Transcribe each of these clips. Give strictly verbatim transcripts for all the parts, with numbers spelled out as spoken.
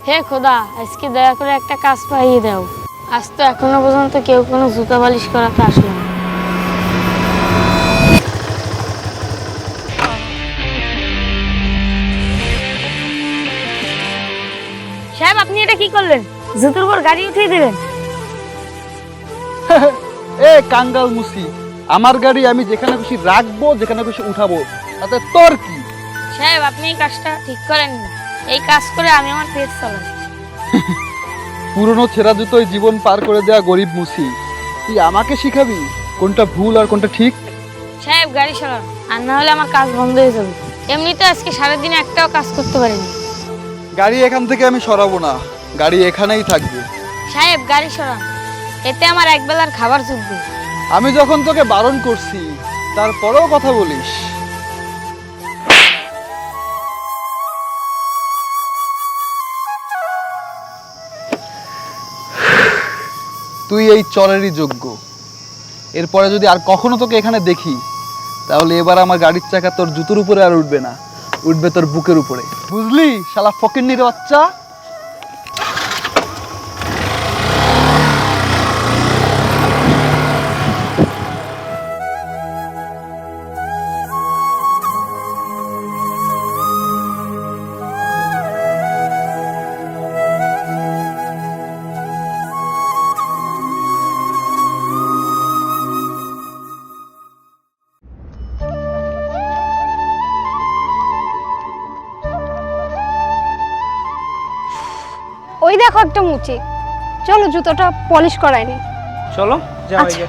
হে খোদা, আজকে দয়া করে একটা কাজ পাইয়ে দাও। আজ তো এখনো পর্যন্ত কেউ কোনো জুতা পালিশ করাতে আসলো না। সাহেব, আপনি এটা কি করলেন? জুতোর উপর গাড়ি উঠিয়ে দিলেন। এ কাঙ্গাল মুসি, আমার গাড়ি আমি যেখানে খুশি রাখবো, যেখানে খুশি উঠাবো, তাতে তোর কি? সাহেব, আপনি এই কাজটা ঠিক করেননি। এই কাজ করে আমি আমার পেট চালাই। পুরনো ছেঁড়া জুতোয় জীবন পার করে দেয়া গরিব মুসি, তুই আমাকে শিখাবি কোনটা ভুল আর কোনটা ঠিক? সাহেব, গাড়ি সরান, আর না হলে আমার কাজ বন্ধ হয়ে যাবে। এমনিতে আজকে সারাদিনে একটাও কাজ করতে পারিনি। গাড়ি এখান থেকে আমি সরাবো না, গাড়ি এখানেই থাকবে। সাহেব, গাড়ি সরান, এতে আমার একবেলার খাবার জুটবে। আমি যখন তোকে বারণ করছি তারপরেও কথা বলিস। তুই এই চরেরই যোগ্য। এরপরে যদি আর কখনো তোকে এখানে দেখি, তাহলে এবার আমার গাড়ির চাকা তোর জুতোর উপরে আর উঠবে না, উঠবে তোর বুকের উপরে। বুঝলি শালা ফকিন্নির বাচ্চা? ওই দেখো একটা মুচি, চলো জুতোটা পলিশ করায়নি। চলো যাও। আচ্ছা।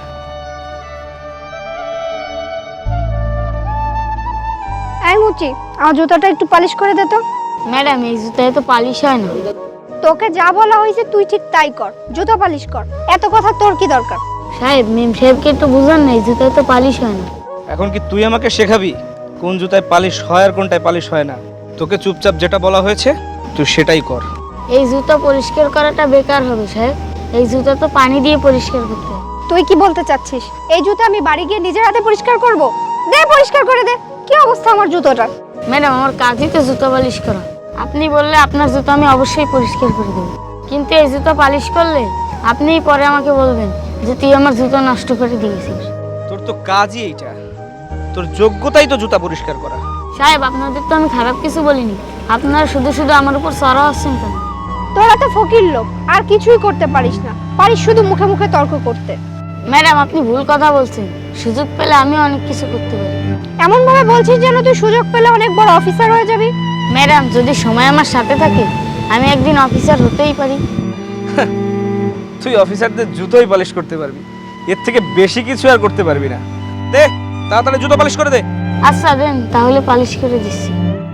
এই মুচি, আমার জুতোটা একটু পলিশ করে দে তো। ম্যাডাম, এই জুতায় তো পালিশ হয় না। তোকে যা বলা হয়েছে তুই ঠিক তাই কর, জুতো পালিশ কর। এত কথা তোর কি দরকার? সাহেব, মেম সাহেবকে একটু বুঝান না, এই জুতায় তো পালিশ হয় না। এখন কি তুই আমাকে শেখাবি কোন জুতায় পালিশ হয় আর কোনটায় পালিশ হয় না? তোকে চুপচাপ যেটা বলা হয়েছে তুই সেটাই কর। এই জুতা পরিষ্কার করাটা বেকার হবে সাহেব। এই জুতা তো পানি দিয়ে পরিষ্কার করতে হয়। তুই কি বলতে চাচ্ছিস? এই জুতো আমি বাড়ি গিয়ে নিজের হাতে পরিষ্কার করব? দে, পরিষ্কার করে দে। কি অবস্থা আমার জুতোটার! ম্যাডাম, আমার কাজই তো জুতা পালিশ করা। আপনি বললে আপনার জুতো আমি অবশ্যই পরিষ্কার করে দেব, কিন্তু এই জুতো পালিশ করলে আপনিই পরে আমাকে বলবেন যে তুই আমার জুতো নষ্ট করে দিয়েছিস। তোর তো কাজই এইটা, তোর যোগ্যতাই তো জুতা পরিষ্কার করা। সাহেব, আপনাদের তো আমি খারাপ কিছু বলিনি, আপনারা শুধু শুধু আমার উপর চড়া হচ্ছেন কেন? তোরা তো ফকির লোক, আর কিছুই করতে পারিস না, পারিস শুধু মুখে মুখে তর্ক করতে। ম্যাডাম, আপনি ভুল কথা বলছেন। সুযোগ পেলে আমি অনেক কিছু করতে পারি। এমন ভাবে বলছিস যেন তুই সুযোগ পেলে অনেক বড় অফিসার হয়ে যাবি। ম্যাডাম, যদি সময় আমার সাথে থাকে আমি একদিন অফিসার হতেই পারি। তুই অফিসারদের জুতোই পালিশ করতে পারবি, এর থেকে বেশি কিছু আর করতে পারবি না। দে তাড়াতাড়ি জুতো পালিশ করে দে। আচ্ছা দেন, তাহলে পালিশ করে দিচ্ছি।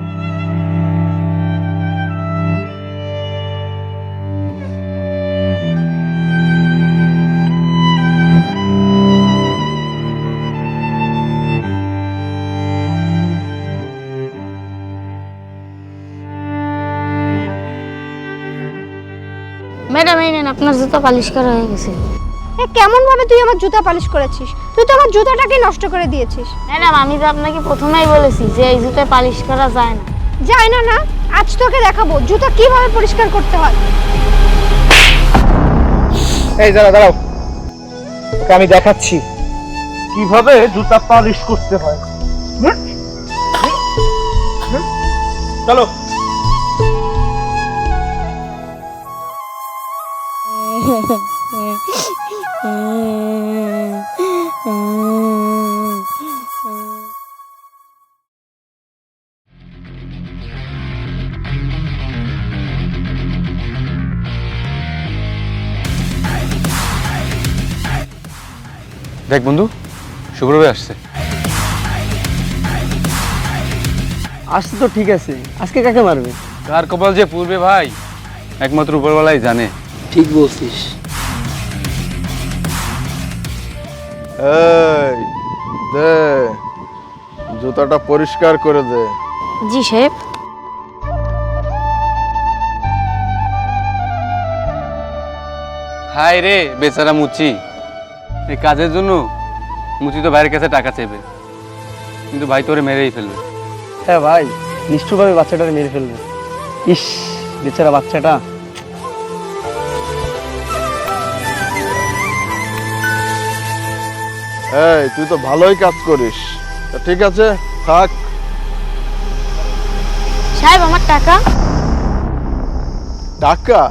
ম্যাডাম, এই নেন, আপনার জুতো পালিশ করা হয়ে গেছে। এ কেমন ভাবে তুই আমার জুতা পালিশ করেছিস? তুই তো আমার জুতাটাকে নষ্ট করে দিয়েছিস। ম্যাডাম, আমি তো আপনাকে প্রথমেই বলেছি যে এই জুতো পালিশ করা যায় না। যায় না না, আজ তোকে দেখাবো জুতা কিভাবে পরিষ্কার করতে হয়। এই দাঁড়া দাঁড়াও, তোকে আমি দেখাচ্ছি কিভাবে জুতা পালিশ করতে হয়। চলো। দেখ বন্ধু, শুভ্রভাই আসছে। আসছে তো ঠিক আছে, আজকে কাকে মারবে? কার কপাল যে পূর্বে ভাই একমাত্র উপরওয়ালাই জানে। ঠিক বলছিস। এই দে, জুতাটা পরিষ্কার করে দে। জি সাহেব। হাই রে বেচারা মুচি, এই কাজের জন্য মুচি তো ভাইয়ের কাছে টাকা চাইবে, কিন্তু ভাই তোরে মেরেই ফেলবে। হ্যাঁ ভাই, নিষ্ঠুরভাবে বাচ্চাটাকে মেরে ফেলবে। ইস, বেচারা বাচ্চাটা। এই তুই তো ভালোই কাজ করিস, তা ঠিক আছে থাক। সাহেব আমার টাকা। টাকা?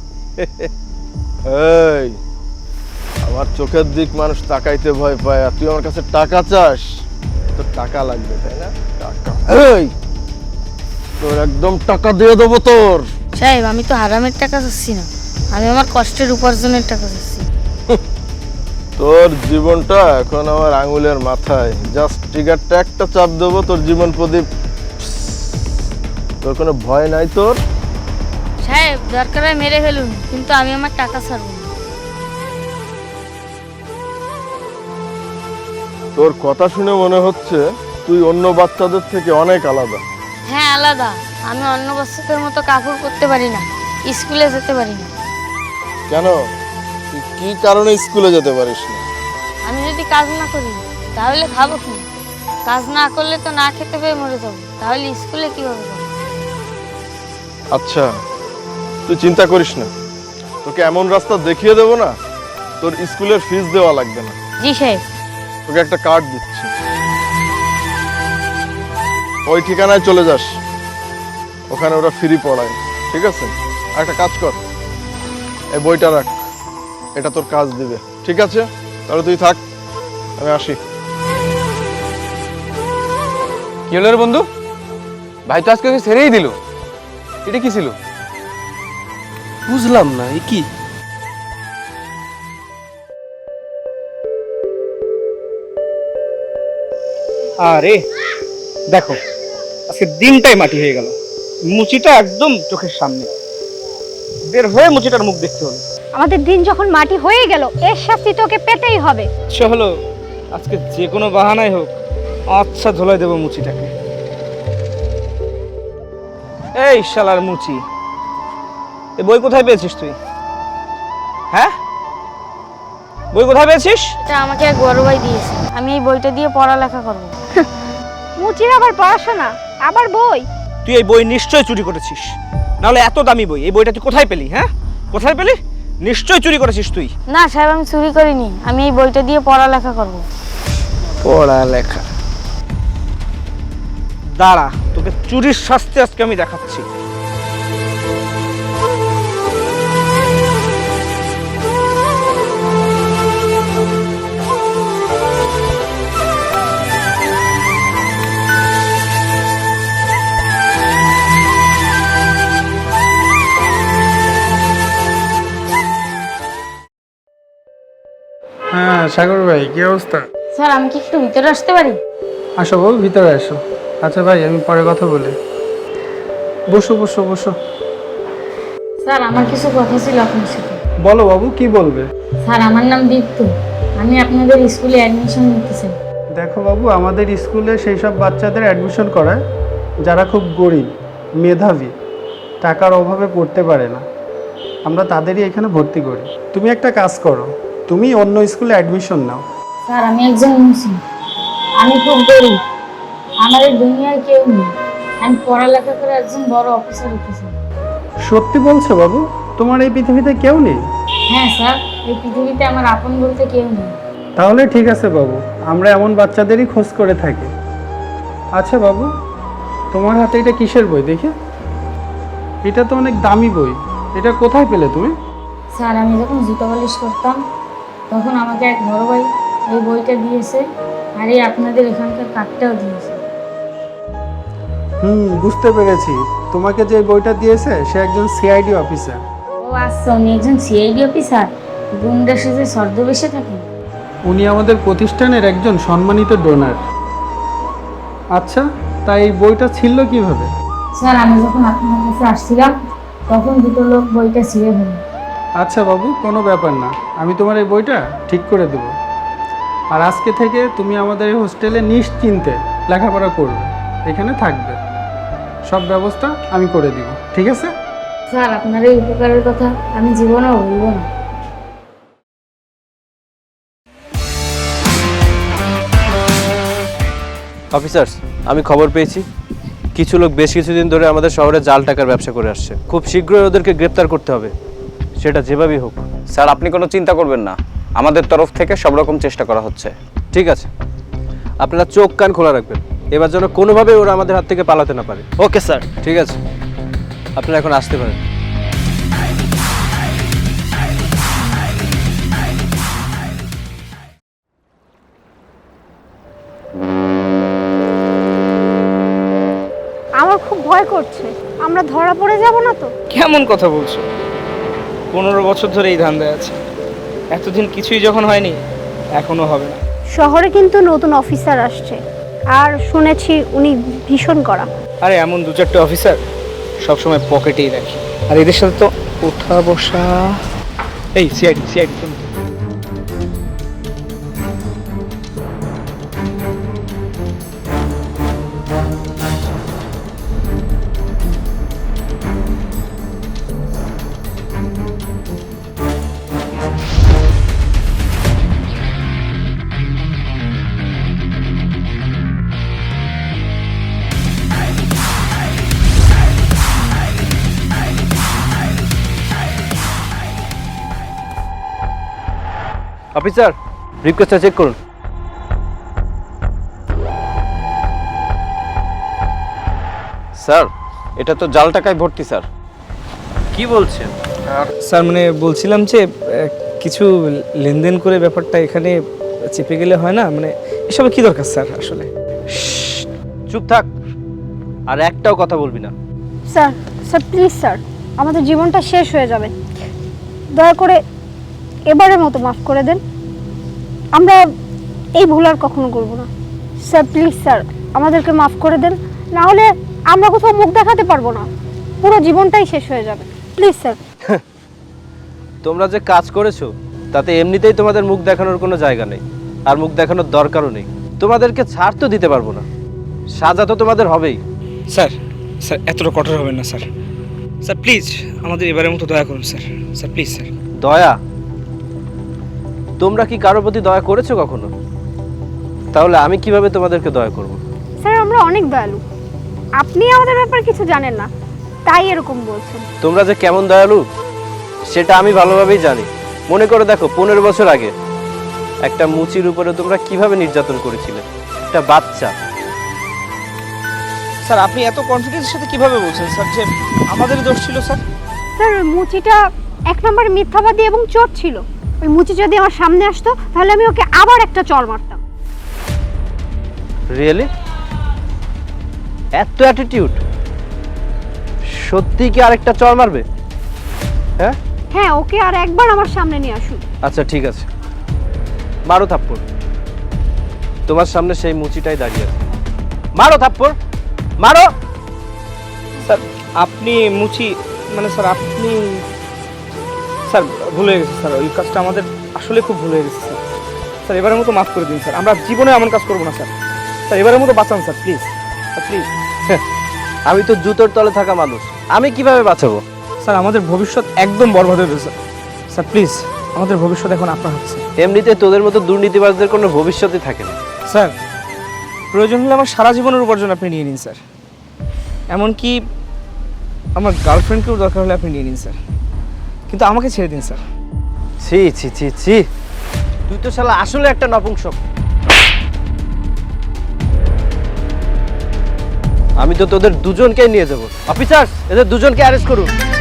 এই আমার চোখের দিক মানুষ তাকাইতে ভয় পায়, আর তুই আমার কাছে টাকা চাস? তোর টাকা লাগবে তাই না? টাকা, এই তোর একদম টাকা দিয়ে দেবো তোর। সাহেব আমি তো হারামের টাকা চাচ্ছি না, আমি আমার কষ্টের উপার্জনের টাকা চাচ্ছি। তোর জীবনটা এখন আমার আঙুলের মাথায়, জাস্ট ট্রিগারটা একটা চাপ দেবো, তোর জীবন প্রদীপ। তোর কোনো ভয় নাই তোর? সাহেব দরকার হয় মেরে ফেলুন, কিন্তু আমি আমার টাকা ছাড়ব না। তোর কথা শুনে মনে হচ্ছে তুই অন্য বাচ্চাদের থেকে অনেক আলাদা। হ্যাঁ আলাদা, আমি অন্য বাচ্চাদের মতো কাপড় পরতে পারি না, স্কুলে যেতে পারি না। কেন, তুই কি কারণে স্কুলে যেতে পারিস না? আমি যদি কাজ না করি তাহলে খাবো কি? কাজ না করলে তো না খেতে পেয়ে মরে যাবো, তাহলে স্কুলে কিভাবে যাবো? আচ্ছা তুই চিন্তা করিস না, তোকে এমন রাস্তা দেখিয়ে দেবো না, তোর স্কুলের ফিস দেওয়া লাগবে না। জি সাহেব। তোকে একটা কার্ড দিচ্ছি, ওই ঠিকানায় চলে যাস, ওখানে ওরা ফ্রি পড়ায়, ঠিক আছে? আর একটা কাজ কর, এই বইটা রাখ, এটা তোর কাজ দিবে, ঠিক আছে? তাহলে তুই থাক, আমি আসি। কি হলো রে বন্ধু? ভাই তো আজকে ওকে ছেড়েই দিল, এটা কি ছিল? বুঝলাম না, এ কি? আরে দেখো, আজকে দিনটাই মাটি হয়ে গেল। মুচিটা একদম চোখের সামনে, বের হয়ে মুচিটার মুখ দেখতে হলো। আমাদের দিন যখন মাটি হয়ে গেল, এর শাস্তি তোকে পেতেই হবে। ইচ্ছা হলো আজকে যে কোনো বাহানাই হোক আচ্ছা ধোলাই দেবো মুচিটাকে। এই শালার মুচি, এ বই কোথায় পেয়েছিস তুই? হ্যাঁ, বই কোথায় পেয়েছিস? এটা আমাকে এক বড় ভাই দিয়েছে, আমি এই বইটা দিয়ে পড়ালেখা করবো। মুচির আবার পড়াশোনা, আবার বই? তুই এই বই নিশ্চয়ই চুরি করেছিস, নাহলে এত দামি বই এই বইটা তুই কোথায় পেলি? হ্যাঁ, কোথায় পেলি? নিশ্চয়ই চুরি করেছিস তুই। না সাহেব আমি চুরি করিনি, আমি এই বইটা দিয়ে পড়ালেখা করবো। পড়ালেখা? দাঁড়া, তোকে চুরির শাস্তি আজকে আমি দেখাচ্ছি। হ্যাঁ সাগর ভাই, কি অবস্থা? স্যার আমি কি একটু ভিতরে আসতে পারি? আসো বাবু, ভিতরে আসো। আচ্ছা ভাই, আমি পরে কথা বলি। বসো বসো বসো। স্যার আমার কিছু কথা ছিল আপনার সাথে। বলো বাবু, কি বলবে? স্যার আমার নাম দীপ্ত, আমি আপনাদের স্কুলে অ্যাডমিশন নিতে চাই। দেখো বাবু, আমাদের স্কুলে সেই সব বাচ্চাদের অ্যাডমিশন করায় যারা খুব গরিব, মেধাবী, টাকার অভাবে পড়তে পারে না। আমরা তাদেরই এখানে ভর্তি করি। তুমি একটা কাজ করো, তুমি অন্য স্কুলে অ্যাডমিশন নাও। স্যার আমি একজন মুসলিম, আমি খুব গরিব, আমার এই দুনিয়ায় কেউ নেই, আমি পড়ালেখা করে একজন বড় অফিসার হতে চাই। সত্যি বলছো বাবু? তোমার এই পৃথিবীতে কেউ নেই? হ্যাঁ স্যার, এই পৃথিবীতে আমার আপন বলতে কেউ নেই। তাহলে ঠিক আছে বাবু, আমরা এমন বাচ্চাদেরই খোঁজ করে থাকি। আচ্ছা বাবু, তোমার হাতে এটা কিসের বই দেখি? এটা তো অনেক দামি বই, এটা কোথায় পেলে তুমি? স্যার আমি যখন জুতো পালিশ করতাম তখন আমাকে এক বড় ভাই এই বইটা দিয়েছে, আর এই আপনাদের এখানকার কার্ডটাও দিয়েছে। হুম, বুঝতে পেরেছি। তোমাকে যে বইটা দিয়েছে সে একজন সিআইডি অফিসার। ও আচ্ছা, উনি একজন সিআইডি অফিসার, গুন্ডা সেজে ছদ্মবেশে থাকেন। উনি আমাদের প্রতিষ্ঠানের একজন সম্মানিত ডোনার। আচ্ছা, তাই এই বইটা ছিল কিভাবে? স্যার আমি যখন আপনার কাছে আসছিলাম তখন দুটো লোক বইটা ছিঁড়ে ফেলে। আচ্ছা বাবু, কোনো ব্যাপার না, আমি তোমার এই বইটা ঠিক করে দেব। আর আজকে থেকে তুমি আমাদের এই হোস্টেলে নিশ্চিন্তে লেখাপড়া করবে, এখানে থাকবে, সব ব্যবস্থা আমি করে দিব, ঠিক আছে? স্যার আপনার এই উপকারের কথা আমি জীবনেও ভুলব না। অফিসার্স, আমি খবর পেয়েছি কিছু লোক বেশ কিছুদিন ধরে আমাদের শহরে জাল টাকার ব্যবসা করে আসছে। খুব শীঘ্রই ওদেরকে গ্রেপ্তার করতে হবে, সেটা যেভাবেই হোক। স্যার আপনি কোনো চিন্তা করবেন না, আমাদের তরফ থেকে সব রকম চেষ্টা করা হচ্ছে। ঠিক আছে, আপনারা চোখ কান খোলা রাখবেন, এবার যেন কোনোভাবেই ওরা আমাদের হাত থেকে পালাতে না পারে। Okay sir. ঠিক আছে, আপনারা এখন আসতে পারেন। আমার খুব ভয় করছে, আমরা ধরা পড়ে যাব না তো? কেমন কথা বলছো? পনেরো বছর ধরে এই ধান্দায় আছে, এতদিন কিছুই যখন হয়নি এখনো হবে না। শহরে কিন্তু নতুন অফিসার আসছে, আর শুনেছি উনি ভীষণ কড়া। আরে এমন দু চারটে অফিসার সবসময় পকেটেই রাখি, আর এদের সাথে তো ওঠা বসা। এই সিআইডি সিআইডি অফিসার, রিকোয়েস্টটা চেক করুন। স্যার এটা তো জাল টাকায় ভর্তি স্যার। কি বলছেন? স্যার মানে বলছিলাম যে আহ, কিছু লেনদেন করে ব্যাপারটা এখানে চেপে গেলে হয় না, মানে এসবে কি দরকার স্যার আসলে? চুপ থাক, আর একটাও কথা বলবি না। স্যার স্যার প্লিজ স্যার, আমাদের জীবনটা শেষ হয়ে যাবে, দয়া করে এবারের মতো মাফ করে দেন। আমরা এই ভুল আর কখনো করব না। স্যার প্লিজ স্যার, আমাদেরকে মাফ করে দেন, না হলে আমরা কোথাও মুখ দেখাতে পারবো না, পুরো জীবনটাই শেষ হয়ে যাবে। Please sir. তোমরা যে কাজ করেছো তাতে এমনিতেই তোমাদের মুখ দেখানোর কোনো জায়গা নেই, আর মুখ দেখানোর দরকারও নেই। তোমাদেরকে ছাড় তো দিতে পারবো না, সাজা তো তোমাদের হবেই। স্যার স্যার এতটা কঠোর হবেন না স্যার। স্যার প্লিজ আমাদের এবারের মতো দয়া করুন স্যার। Sir please sir. দয়া? তোমরা কি কারোর প্রতি দয়া করেছো কখনো? তাহলে আমি কিভাবে তোমাদেরকে দয়া করব? স্যার আমরা অনেক দয়ালু, আপনি আমাদের ব্যাপারে কিছু জানেন না, তাই এরকম বলছেন। তোমরা যে কেমন দয়ালু সেটা আমি ভালোভাবেই জানি। মনে করে দেখো, পনেরো বছর আগে একটা মুচির উপরে তোমরা কিভাবে নির্যাতন করেছিলে, একটা বাচ্চা। স্যার আপনি এত কনফিডেন্সের সাথে কিভাবে বলছেন স্যার যে আমাদের দোষ ছিল? স্যার স্যার ওই মুচিটা এক নম্বর মিথ্যাবাদী এবং চোর ছিল। ওই মুচি যদি আমার সামনে আসতো তাহলে আমি ওকে আবার একটা চড় মারতাম। রিয়েলি? এত অ্যাটিটিউড? সত্যি কি আরেকটা চড় মারবে? হ্যাঁ হ্যাঁ, ওকে আর একবার আমার সামনে নিয়ে আসুন। আচ্ছা ঠিক আছে, মারো থাপ্পড়। তোমার সামনে সেই মুচিটাই দাঁড়িয়ে আছে, মারো থাপ্পড়, মারো। স্যার আপনি মুচি মানে স্যার আপনি স্যার ভুল হয়ে গেছে স্যার, ওই কাজটা আমাদের আসলে খুব ভুল হয়ে গেছে স্যার। স্যার এবারের মতো মাফ করে দিন স্যার, আমরা জীবনে এমন কাজ করবো না স্যার। স্যার এবারের মতো বাঁচান স্যার প্লিজ, স্যার প্লিজ। আমি তো জুতোর তলে থাকা মানুষ, আমি কিভাবে বাঁচাবো? স্যার আমাদের ভবিষ্যৎ একদম বরবাদ হয়ে গেছে স্যার, প্লিজ আমাদের ভবিষ্যৎ এখন আপনার হাতে। এমনিতে তোদের মতো দুর্নীতিবাজদের কোনো ভবিষ্যৎই থাকে না। স্যার প্রয়োজন হলে আমার সারা জীবনের উপার্জন আপনি নিয়ে নিন স্যার, এমনকি আমার গার্লফ্রেন্ডকেও দরকার হলে আপনি নিয়ে নিন স্যার, কিন্তু আমাকে ছেড়ে দিন স্যার। ছি ছি ছি ছি, তুই তো শালা আসলে একটা নপুংসক। আমি তো তোদের দুজনকেই নিয়ে যাব। অফিসার, এদের দুজনকে অ্যারেস্ট করুন।